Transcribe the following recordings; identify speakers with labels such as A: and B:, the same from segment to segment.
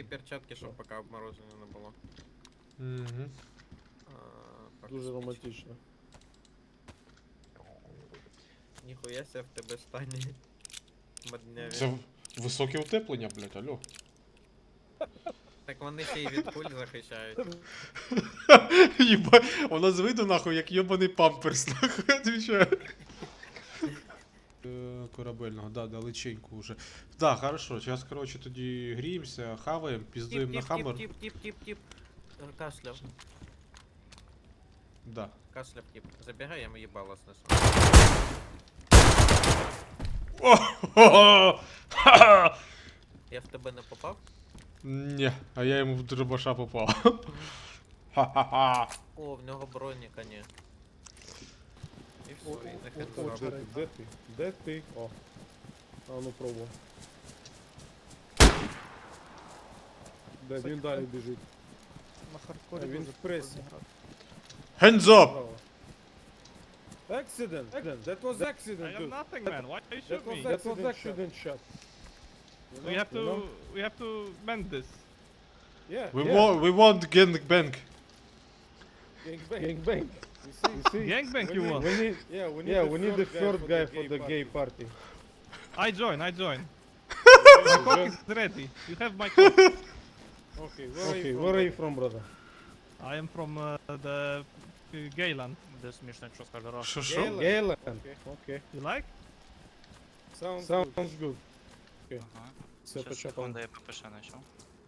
A: перчатки, щоб поки обмороження не було.
B: Угу.
C: Дуже романтично.
A: Ніхуя ся в тебе стані. Модняві.
B: Це високе утеплення, блядь, алло.
A: Так вони ще й від куль захищають.
B: Єба, вона з виду нахуй, як йобаний памперс, нахуй, отвечаю. Корабельного, да, далеченько уже. Да, хорошо, сейчас, короче, тоді гріємося, хаваємо, піздуємо на хаммер.
A: Тип. Кашляв.
B: Да.
A: Кашляв тип. Забігай, я йому їбало снесу. Я в тебе не попав?
B: Не, а я йому в дробаша попав. Ха-ха-ха.
A: О, в нього броніка ні. І все, і нехай
C: О,
A: робить.
C: де ти? Де ти? О. А ну пробуй. Де він далі біжить?
D: На
C: А
D: хардкорі
C: він
D: дуже
C: в пресі.
D: прикольно грати.
B: Hands up!
C: Браво. Accident! That was accident,
E: I am
C: dude.
E: nothing, man. Why you
C: That
E: shoot
C: was
E: me?
C: accident shot.
E: We have to mend this.
C: Yeah.
B: We want gangbang.
C: Gang bang. You see?
E: Gangbang you want?
C: We need the third guy for the gay party.
E: I join. My cock is ready. You have my cock.
C: Okay, where are you from, brother?
E: I am from the Gayland.
F: Де смішно, якщо скаже раз.
B: Що?
C: Gayland. Okay.
E: You like?
C: Sounds good.
F: Ага.
C: Це
F: Щас,
C: початок.
F: секунду, я ППШ знайшов.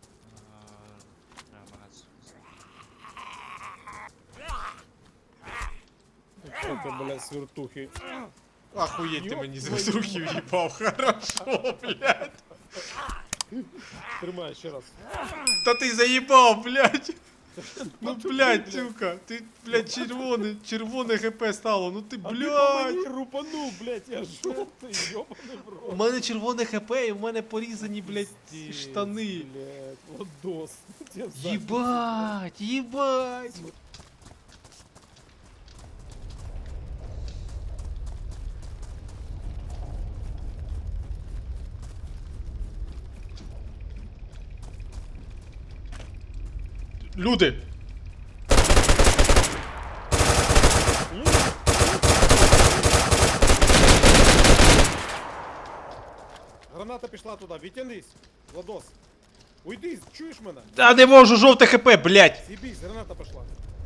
C: Это, блядь, свертухи.
B: Охуєть, ти мені з руки в'їбав, хорошо, блядь.
C: Тримай ще раз.
B: Та ти заїбав, блядь. Ну, блядь, сука, ти, блядь, червоне ХП стало, ну ти,
C: А ти по
B: блядь.
C: мені рупанув, блядь, я жовтий, йобаний в
B: У
C: рот.
B: мене червоне ХП і в мене порізані, блядь,
C: Пиздец,
B: штани.
C: Блядь, лодос. Тебе в задницю.
B: Єбать, єбать. Люди!
C: Граната пішла туди, відтянись, Владос. Уйди, чуєш мене?
B: Та не можу, жовте ХП, блядь.
C: З'їбись, граната пішла.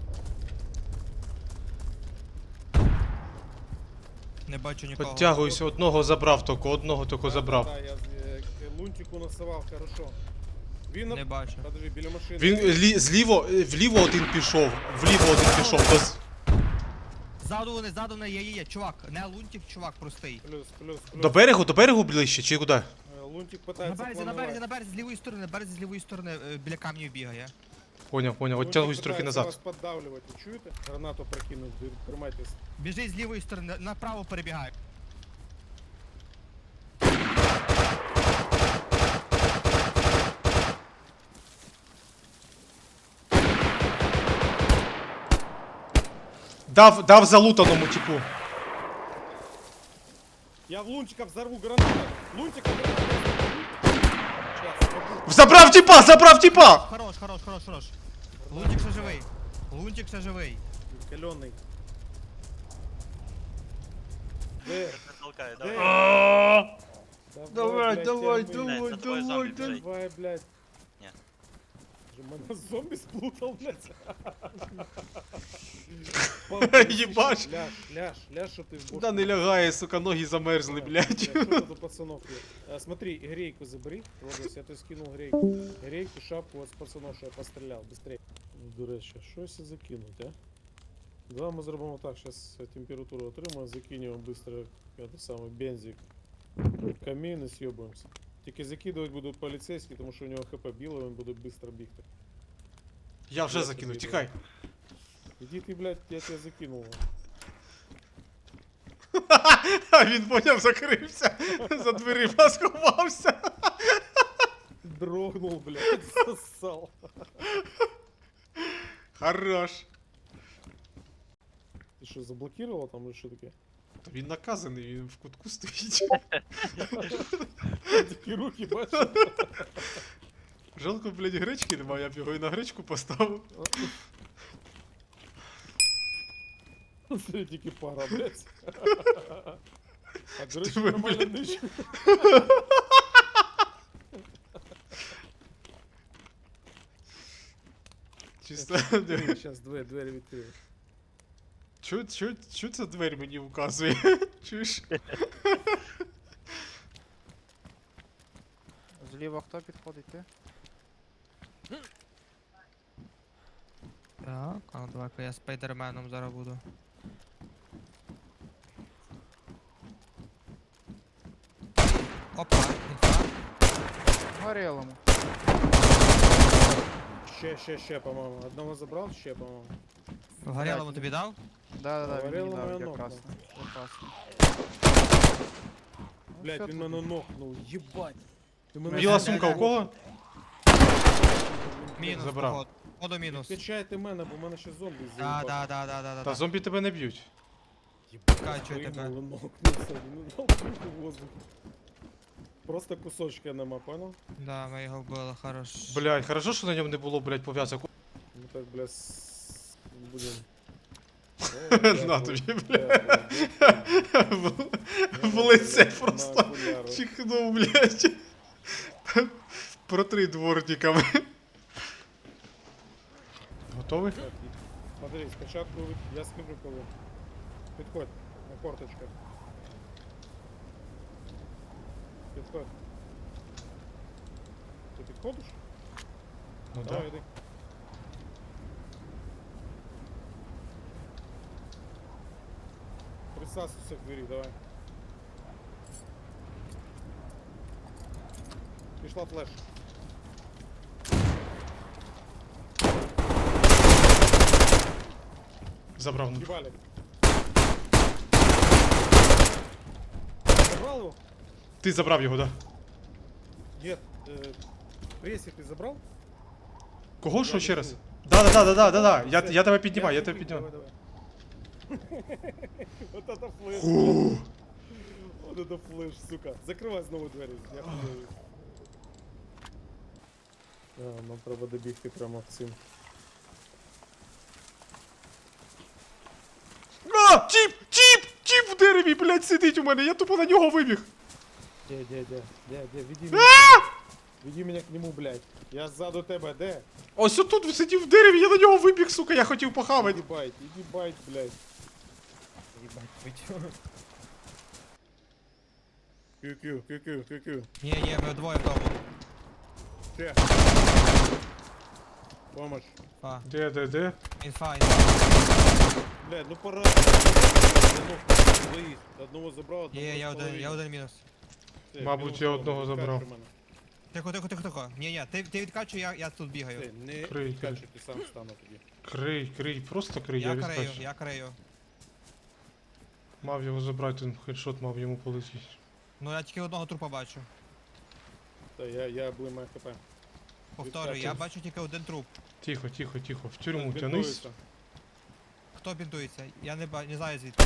G: Не бачу нікого.
B: Підтягуюся, одного тільки забрав.
C: Да, я лунтику насував, хорошо. Він
G: Не бачу.
C: Подожди, біля машини.
B: Він вліво один пішов, то
G: Ззаду не є, чувак, не лунтик, чувак простий.
C: Плюс.
B: до берегу ближче, чи куди?
C: Лунтик
G: На
C: питається планувати.
G: березі, з лівої сторони, біля камнів бігає.
B: Поняв,
C: Лунтик
B: оттягуюсь трохи
C: питається
B: назад.
C: вас поддавлювати, чуєте? Гранату прокинув, тримайтесь.
G: Біжить з лівої сторони, направо перебігає.
B: Дав залутаному типу.
C: Я в лунтика взорву гранату. Лунтика гранату.
B: Забрав типа!
G: Хорош. Лунтик ще живий.
C: Каленый. Де?
F: Толкай,
C: Де?
F: давай.
B: Давай,
C: блядь,
B: давай,
C: тягни.
B: давай,
F: За тобою
B: давай,
F: зомбі біжить.
C: Давай, блядь.
F: Ні.
C: Же мене зомбі сплутав, блядь.
B: Єбаш.
C: Ляж, що ти в бошку.
B: Да не лягає, сука, ноги замерзли, блядь.
C: Что тут у пацанов есть? Смотри, грейку забери. Владос, я тебе скинул грейку. Грейку, шапку от с пацанов, що я пострелял. Быстрее. До речі, щось закинуть, а? Давай ми зробимо так, зараз температуру отримаємо, закинемо быстро это самый бензик. Камін і съебуємося. Тільки закидувати будуть поліцейські, тому що у нього хп біло, він буде швидко бігти.
B: Я вже закинув, тікай.
C: Іди ти, блядь, я тебе закинул.
B: А він поняв, закрився. За дверима сховався.
C: Дрогнул, блядь, засал.
B: Хорош.
C: Ти що, заблокував там или що таке?
B: Він наказаний, він в кутку стоїть.
C: Такі руки, бачиш?
B: Жалко, блядь, гречки немає, я б його і на гречку поставив.
C: Це тільки пара, блядь. А до речі,
B: Диви,
C: нормально
B: блядь.
C: нижче.
B: Чисто.
C: Зараз двері відкрию.
B: Чо ця двері мені вказує? Чуєш?
D: Зліва хто підходить, ти?
G: Так, а ну давай-ка я спайдерменом зараз буду. Опа, інфа.
D: Горілому.
C: Ще, по-моєму. Одного забрав, ще, по-моєму.
G: В горілому тобі дав?
D: Да, він
C: Горілому
D: мені дав
C: я
D: якраз.
C: нокнув.
D: Якраз. Ну,
C: Блядь,
D: все
C: він
D: тут.
C: мене нокнув, їбать. Ти мене
B: Біла
G: Це-
B: сумка у кого?
G: Мінус,
B: Забрав.
G: походу. Походу мінус.
C: Качайте мене, бо в мене ще зомбі
G: Да.
B: Та зомбі тебе не б'ють.
G: Качує тебе.
C: Нокнувся, він нокнув у воздух. Просто кусочка нема, понял?
G: Да, ми його вбили, хорош.
B: Блядь, хорошо, що на ньому не було, блядь, пов'язок.
C: Ну так, бля, будем.
B: На тобі, бля. В лице просто чихнув, блядь. Протри дворниками. Готовий?
C: Смотри, спочатку я скажу коли. Підходь, на корточках. Підходь. Ти підходиш?
B: Ну
C: Давай,
B: да.
C: іди. Присасывайся к двери, давай. Пішла флеш.
B: Забрав. ну.
C: Ебали. Забрал его?
B: Ти забрав його, да?
C: Нет. Пресик ты забрал?
B: Кого що
C: Я
B: ще
C: не
B: раз?
C: чую.
B: Да. Я тебе піднімаю, я тебе
C: купил,
B: піднімаю.
C: давай. Вот это флеш.
B: Фу.
C: Вот это флеш, сука. Закривай знову двері. Я хуйовий. Нам треба добігти прямо цим.
B: А! Тіп в дереві, блядь, сидить у мене, я тупо на нього вибіг.
C: Де, веди меня. Веди меня к нему, блядь. Я ззаду тебе, де?
B: Ось отут сидів в дереві, я на нього вибіг, сука, я хотів похавати.
C: Иди байт, блядь. Кю-кю.
G: Ні, ми двоє в тому.
C: Че? Помощь.
G: Фа.
B: Де?
G: Інфа.
C: Блядь, ну пора. Двоїх. Одного забрав, одного
G: Є, я
C: половину.
G: один мінус.
C: Все,
B: Мабуть,
C: мінус
B: я
C: одного,
B: одного забрав.
C: відкачуй мене.
G: Тихо. Ні, ти відкачуй, я тут бігаю.
C: Все, не
B: Крий,
C: відкачуй, ти сам стану тоді.
B: Крий, просто крий, я відскочу.
G: Я крию.
B: Мав його забрати, він хедшот мав йому полетіти.
G: Ну я тільки одного трупа бачу.
C: Та я блимаю хп.
G: Повторюю, я бачу тільки один труп.
B: Тихо, в тюрму
C: Так,
B: тянись.
C: бінтується.
G: Хто бінтується? Я не знаю звідки.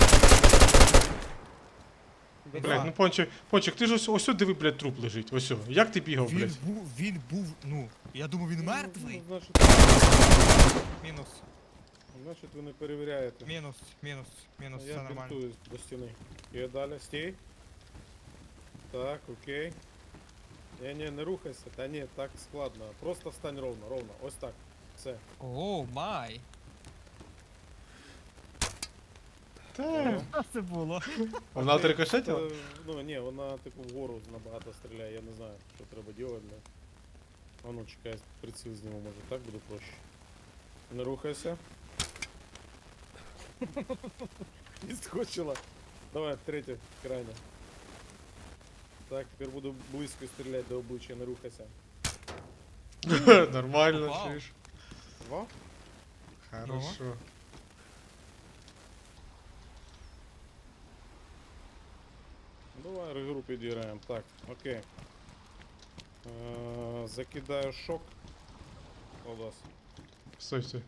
B: Блядь, ну Пончик, ти ж ось диви, блядь, труп лежить, ось. Як ти бігав, блядь?
G: Він був, ну, я думав він мертвий.
C: Ну,
G: Мінус,
C: значить ви не перевіряєте.
G: мінус,
C: А
G: все
C: я
G: нормально.
C: бінтуюсь до стіни. І далі, стій. Так, окей. Не рухайся. Та ні, так складно. Просто встань ровно. Ось так. Все.
G: Оу, май.
B: Та,
G: Що це було?
B: вона трикошетила?
C: Ну ні, вона типу вгору набагато стріляє, я не знаю, що треба робити, бля. А ну чекай, приціл зніму, може так буде проще. Не рухайся. Відскочила. Давай, третє, крайне. Так, тепер буду близько стріляти до обличчя, не рухайся.
B: Нормально,
G: Вау.
B: чуєш?
C: Два?
B: Хорошо.
C: Давай регру підіграємо. Так, окей. Закидаю шок. Колдас.
B: Стой.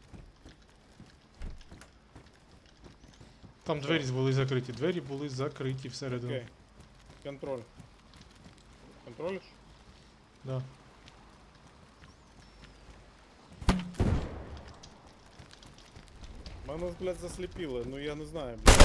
B: Там двері були закриті всередину.
C: Окей. Контроль. Контролиш?
B: Да.
C: Мене, блядь, засліпили, ну я не знаю, блядь.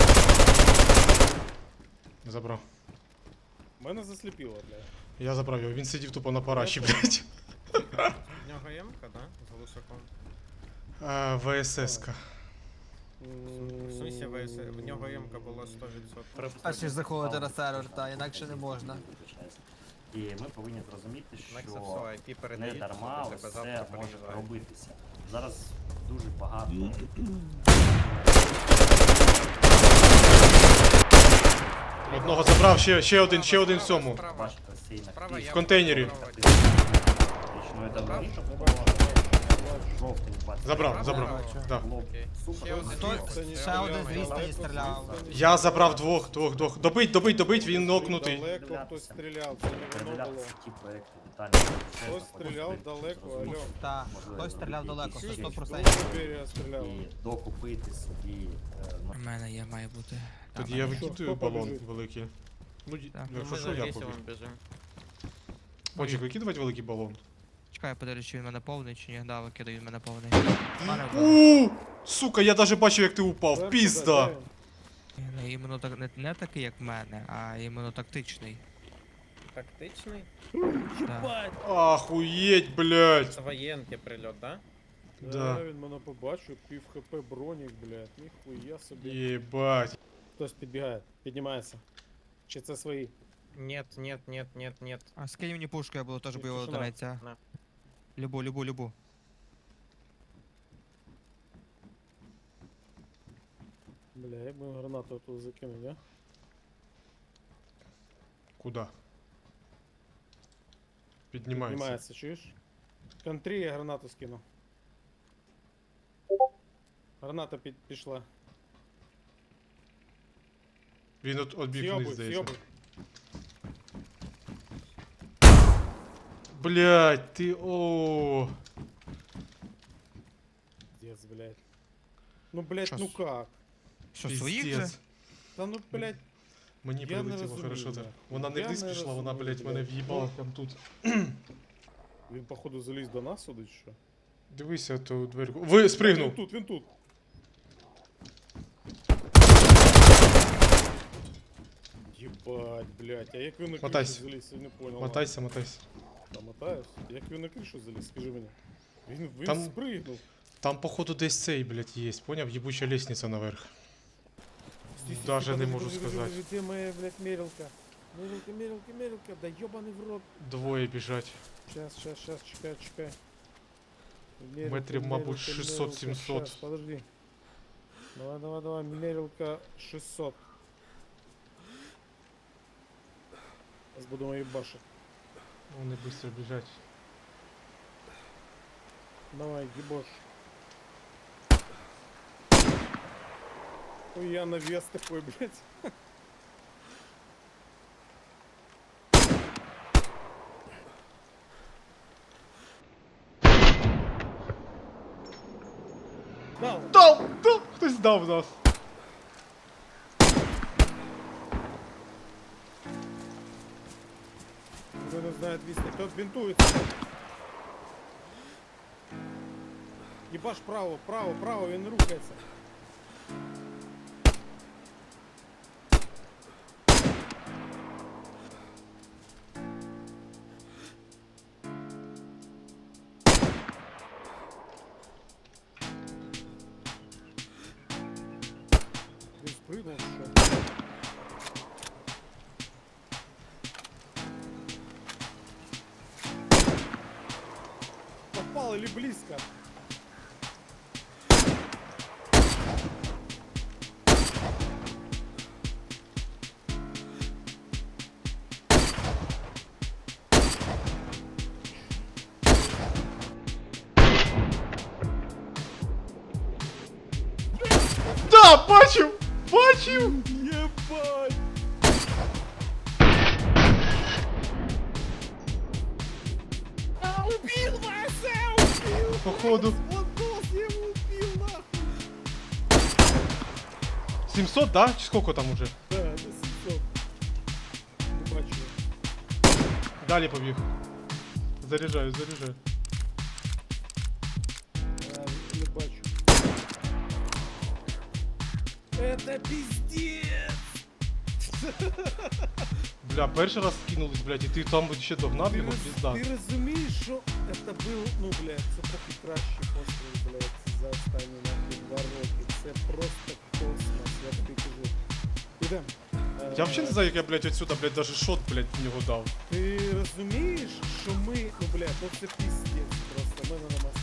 B: Забрав.
C: Мене засліпило, блядь.
B: Я забрав його, він сидів тупо на параші, блядь.
A: В нього М-ка, да? З глушаком.
B: ВСС-ка.
A: В смысле ВС, в нього М-ка була 100%.
G: Перші заходити на сервер, та інакше не можна.
H: І ми повинні зрозуміти,
A: Nexa
H: що
A: все, IP
H: не
A: передається,
H: дарма
A: до тебе
H: все
A: завтра
H: може
A: переїжджають.
H: робитися. Зараз дуже багато.
B: Одного забрав, ще один в цьому.
A: Справа,
H: Бачите, цей
A: справа, я
B: В контейнері.
A: буду пробувати.
H: Ну і давно річок
C: Не бачу, не бачу.
H: жовтий бачите.
B: Забрав. Да.
A: Окей.
H: Супер.
A: Ще один
G: Хто-
A: ось, це
G: ще один
A: Альома,
G: з
A: я
G: відстані стріляв.
B: Я забрав двох. Добить, він нокнутий.
C: Далеко хтось стріляв, це не воно було.
H: Передивлятися ті проекти детально.
C: Хтось стріляв далеко, алло.
G: Та, хтось стріляв далеко, це
C: Дуже
G: 100%.
C: Берія стріляв.
H: І докупити собі. Ну,
G: У мене є, має бути.
B: Тоді
G: Та,
B: я
G: в мене є.
B: викидаю
C: Хто
B: балон
C: побіжить?
B: великий. Ну,
G: Так.
B: якщо
A: Ми
B: що,
A: за
B: я
A: Гесівом
B: побіг.
A: біжимо.
B: Почек, викидувати великий балон.
G: Чекай, подивлюсь, чи він мене повний, чи ні. Да, викидаю, він мене повний.
B: Сука, я даже бачив, як ти упав.
C: Зверху,
B: Пізда.
C: да,
G: Не, іменно так, не такий, як в мене, а іменно тактичний.
A: Тактичний?
G: Да.
B: Ахуєть, блядь.
A: Це воєнки прильот, да?
B: Да.
C: Да, він мене побачив, пів хп бронік, блядь, ніхуя собі.
B: Єбать.
C: Хтось підбігає, піднімається. Чи це свої?
A: Нет, нет, нет, нет, нет.
G: А скинь мені пушку, я буду теж
C: Ні,
G: бойова
C: тишина.
G: одиниця.
A: На.
G: Любу.
C: Бля, як би гранату тут закинув, я?
B: Куда? Піднімається.
C: Піднімається, чуєш? Контрі я гранату скину. Граната пішла.
B: Він отбіг вниз,
C: Сйобуй,
B: здається.
C: сйобуй.
B: Блядь, ти о.
C: Пиздец, блядь. Ну, блядь,
B: Щас.
C: ну как?
G: Що, своїх же?
B: Піздец.
C: Та ну, блядь,
B: Мені
C: Я не
B: прилетіло,
C: розумію,
B: хорошо так.
C: блядь.
B: Вона не
C: Я
B: вниз
C: не
B: пішла, вона,
C: розумію,
B: блядь, мене
C: блядь.
B: в'їбала прям тут.
C: він походу заліз до нас сюди, чи що?
B: Дивися, то дверку. Ви спригнув!
C: Він тут. Єбать, блядь, а як він на кришу
B: Мотайся.
C: заліз, я не понял.
B: Мотайся.
C: Та мотаюсь. Як він на кришу заліз, скажи мені. Він
B: Там-
C: спригнув.
B: Там, походу, десь цей, блядь, є. Поняв? Єбуча лестниця наверх. Даже не можу сказати.
C: Де моя, блядь, мерилка? Мерилка, да ёбаний в рот.
B: Двоє біжать.
C: Сейчас, чекай.
B: Метрів, мабуть, 600-700.
C: Щас, подожди. Давай, мерилка 600. Зараз будемо їбашити.
B: Вони швидко біжать.
C: Давай, їбош. Ой, я навес такой, блядь. Дал.
B: Дав! Хтось дав нас.
C: Кто не знает вести, тот бинтуется. Ебаш право, він рухається. Він спрыгнув, що? Попал или близко?
B: Да, бачив! Бачив!
C: Ебать! Убил Вася! Убил!
B: Походу.
C: Он босс, я его убил, нахуй!
B: 700, да? Чи сколько там уже?
C: Да, это 700. Не бачу.
B: Далі побіг. Заряджаю.
C: Не бачу. Это пиздец!
B: Бля, перший раз кинулись, блядь, і ти там ще догнав його, пізда.
C: Ти розумієш, що це був, ну, блядь, це поки кращий постріл, блядь, за останні нахуй 2 роки. Це просто космос, я тобі кажу. Ідем.
B: Я взагалі не знаю, як я, блядь, отсюда, блядь, даже шот, блядь, в нього дав.
C: Ти розумієш, що ми, ну, блядь, ну це пиздец просто, в мене нема